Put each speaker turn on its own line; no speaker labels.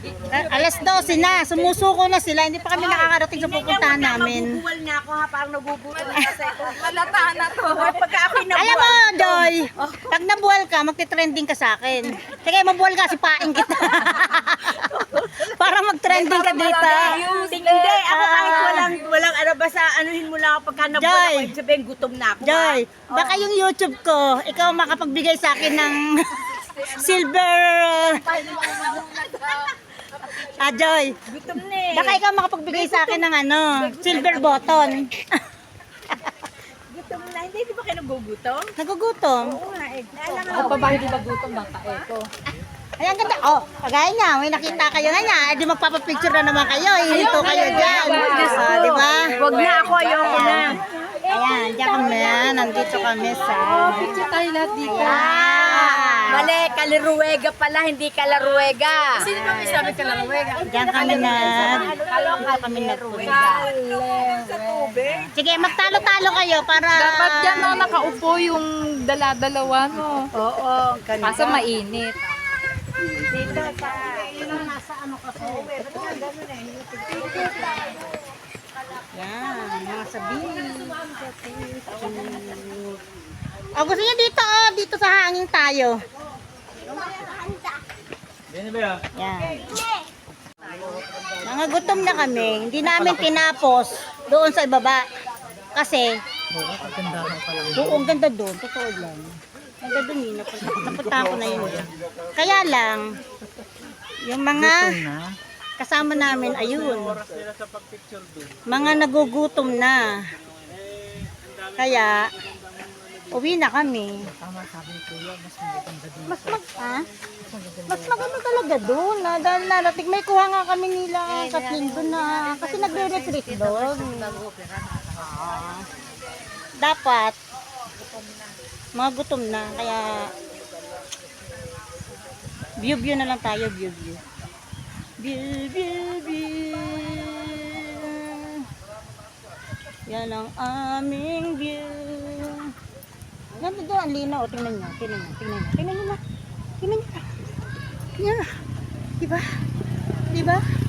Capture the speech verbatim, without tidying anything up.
A- Alas dose na, sumusuko na sila, hindi pa kami nakakarating sa pupuntahan namin.
Mabubuwal na ako ha, parang nabubuwal na kasi. Malataan na to. Pagka ako'y nabuwal.
Alam mo, Joy, pag nabuwal ka, magti-trending ka sa akin. Sige, mabuwal ka, sipain kita. Para mag-trending ka dito.
Hindi, ako kahit walang, walang ano, basta anuhin mo lang ako pagka nabuwal
Joy.
ako, ibig sabihin gutom na ako. ha?
Joy, baka yung YouTube ko, ikaw makapagbigay sa akin ng silver... Ah, Joy,
Gutom na eh.
baka ikaw makapagbigay sa akin ng ano, silver button.
Gutom na. Hindi, di ba kayo nagugutom?
Nagugutom.
Oo nga eh. Naalala
Ako pa ba hindi nagutom ng kaeto?
Ay, ang ganda. Oh, kagaya niya, may nakita kayo na niya. Eh, di magpapapicture na naman kayo. Ihinto kayo dyan. Ah, di ba?
Huwag na ako, ayoko na.
Ayan, diyan kami. Nandito kami sa...
Picture tayo lahat dito.
Ayan.
Mali, Kaliruega pala, hindi Kalaruega.
Sino ba may sabi ka lang, Ruega?
Diyan kami na... Dito kami nagpunta.
Sa tubig.
Sige, magtalo-talo kayo para...
Dapat dyan no, nakaupo yung dala-dalawa no.
Oo, ganda.
Kaso mainit.
Dito sa...
Nasa ano kasi. Yan, mga sabihin. Oh, gusto niyo dito, oh, dito sa hangin tayo. Yan. Mga gutom na kami, hindi namin tinapos doon sa ibaba. Kasi, oo, ang ganda doon, totoo lang. Ang ganda doon, napunta, napunta ko na yun. Kaya lang, yung mga kasama namin, ayun, mga nagugutom na. Kaya, uwi na kami. Mas mag, ah? Mas maganda talaga doon. Na, dahil narating, may kuha nga kami nila Kathleen doon na, kasi nagre-retreat doon. Ah, dapat, mga gutom na, kaya, view-view na lang tayo, view-view. View, view, view. Yan ang aming view. Nandito ang linaw. Tingnan nyo. Tingnan nyo. Tingnan nyo. Tingnan nyo na. Tingnan nyo na. Tingnan nyo na. Diba? Diba?